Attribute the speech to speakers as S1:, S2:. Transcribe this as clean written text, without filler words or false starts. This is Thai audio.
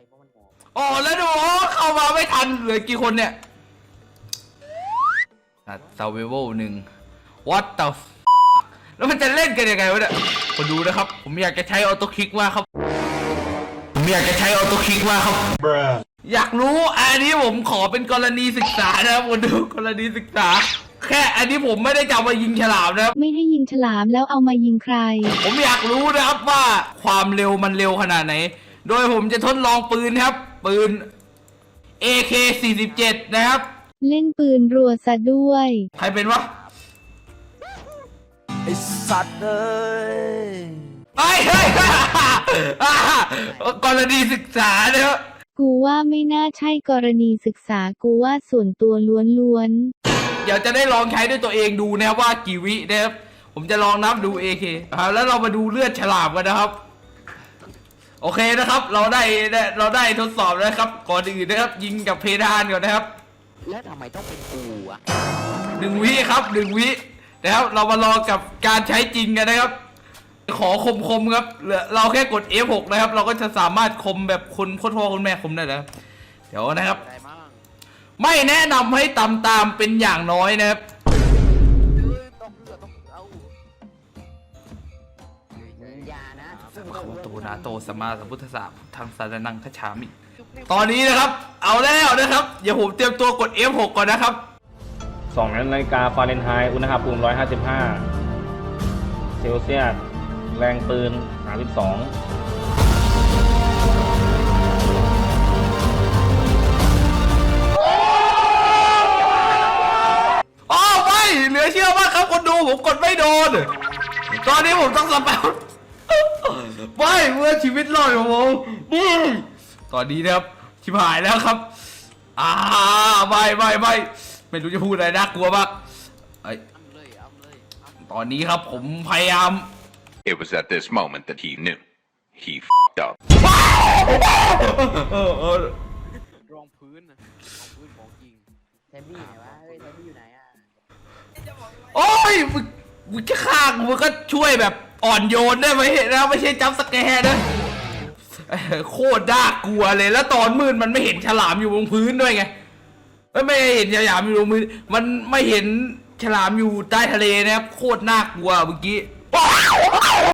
S1: เพราะมันมอง
S2: อ๋อแล้วดูเข้ามาไม่ทันเหลือกี่คนเนี่ยSurvival 1 What the f แล้วมันจะเล่นกันยังไงวะเนี่ยคนดูนะครับผมอยากจะใช้ออโต้คลิกมากครับอยากรู้อันนี้ผมขอเป็นกรณีศึกษานะครับคนดูกรณีศึกษาแค่อันนี้ผมไม่ได้จะมายิงฉลามนะครับ
S3: ไม่ให้ยิงฉลามแล้วเอามายิงใคร
S2: ผมอยากรู้นะครับว่าความเร็วมันเร็วขนาดไหนโดยผมจะทดลองปืนครับปืน AK-47 นะครับ
S3: เล่นปืนรัวซะด้วย
S2: ใครเป็นวะ
S1: ไอสัตว์เลย
S2: เฮ้ยกรณีศึกษานะครับ
S3: กูว่าไม่น่าใช่กรณีศึกษากูว่าส่วนตัวล้วน
S2: เดี๋ยวจะได้ลองใช้ด้วยตัวเองดูนะครับว่ากี่วินะครับผมจะลองนับดู AK แล้วเรามาดูเลือดฉลามกันนะครับ โอเคนะครับเราได้ทดสอบแล้วครับก่อนอื่นนะครับยิงกับเพดานก่อนนะครับ
S1: แล้วทำไมต้องเป็นกูอะ
S2: 1 วิครับ1 วินะครับเรามาลองกับการใช้จริงกันนะครับขอคมครับเราแค่กด F6 นะครับเราก็จะสามารถคมแบบคนพ่อคุณแม่คมได้แล้วเดี๋ยวนะครับ
S1: อะไรมั่ง
S2: ไม่แนะนำให้ตามเป็นอย่างน้อยนะครับ
S1: ต้องเอาอย่านะ
S2: ขอตูนาโตสมมาสัมพุทธศาสตร์ทางสารนังคชามิตอนนี้นะครับเอาแล้วนะครับเดี๋ยวผมเตรียมตัวกด F6 ก่อนนะครับ
S4: 2 นาฬิกาฟาเรนไฮต์อุณหภูมิ 155 เซลเซียส แรงปืน 32
S2: อ๋อไม่เหลือเชื่อมากครับคนดูผมกดไม่โดนตอนนี้ผมต้องสแปมไม่เมื่อชีวิตรอดของผมตอนนี้นะครับชิบหายแล้วครับไม่รู้จะพูดอะไรน่ากลัวมากตอนนี้ครับผมพยายาม
S5: It was at this moment that he knew. He f***ed up.
S1: รองพื้นของจริงแทบบี้ไหนวะเฮ้ยแทบบี้อยู่ไหนอะ
S2: โอ้ยมึงจะฆ่ากูมึงก็ช่วยแบบอ่อนโยนได้ไหมนะไม่ใช่จับสแกร์นะโคตรน่ากลัวเลยแล้วตอนมืดมันไม่เห็นฉลามอยู่บนพื้นด้วยไงไม่เห็นฉลามอยู่บนพื้นมันไม่เห็นฉลามอยู่ใต้ทะเลนะครับโคตรน่ากลัวเมื่อกี้